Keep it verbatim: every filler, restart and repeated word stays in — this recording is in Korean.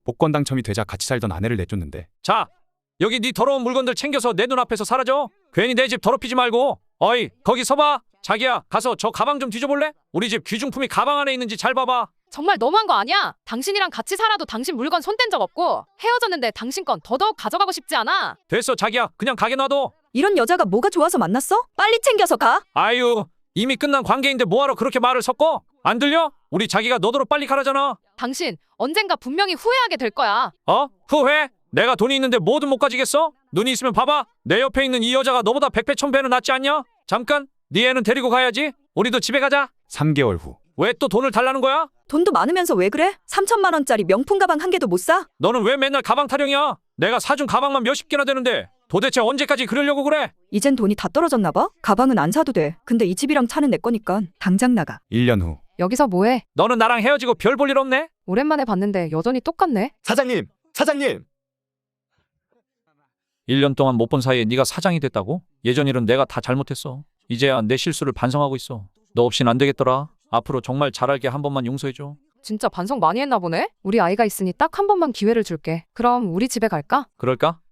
복권 당첨이 되자 같이 살던 아내를 내쫓는데 자, 여기 네 더러운 물건들 챙겨서 내 눈앞에서 사라져. 괜히 내 집 더럽히지 말고. 어이, 거기 서봐. 자기야, 가서 저 가방 좀 뒤져볼래? 우리 집 귀중품이 가방 안에 있는지 잘 봐봐. 정말 너무한 거 아니야? 당신이랑 같이 살아도 당신 물건 손 뗀 적 없고 헤어졌는데 당신 건 더더욱 가져가고 싶지 않아. 됐어, 자기야. 그냥 가게 놔둬. 이런 여자가 뭐가 좋아서 만났어? 빨리 챙겨서 가. 아유, 이미 끝난 관계인데 뭐하러 그렇게 말을 섞어? 안 들려? 우리 자기가 너더러 빨리 가라잖아. 당신 언젠가 분명히 후회하게 될 거야. 어? 후회? 내가 돈이 있는데 뭐든 못 가지겠어? 눈이 있으면 봐봐. 내 옆에 있는 이 여자가 너보다 백배 천배는 낫지 않냐? 잠깐, 네 애는 데리고 가야지. 우리도 집에 가자. 삼 개월 후 왜 또 돈을 달라는 거야? 돈도 많으면서 왜 그래? 삼천만 원짜리 명품 가방 한 개도 못 사? 너는 왜 맨날 가방 타령이야? 내가 사준 가방만 몇십 개나 되는데 도대체 언제까지 그러려고 그래? 이젠 돈이 다 떨어졌나 봐? 가방은 안 사도 돼. 근데 이 집이랑 차는 내 거니까 당장 나가. 일 년 후 여기서 뭐해? 너는 나랑 헤어지고 별 볼 일 없네? 오랜만에 봤는데 여전히 똑같네. 사장님, 사장님. 일 년 동안 못 본 사이에 네가 사장이 됐다고? 예전 일은 내가 다 잘못했어. 이제야 내 실수를 반성하고 있어. 너 없인 안 되겠더라. 앞으로 정말 잘할게. 한 번만 용서해줘. 진짜 반성 많이 했나 보네? 우리 아이가 있으니 딱 한 번만 기회를 줄게. 그럼 우리 집에 갈까? 그럴까?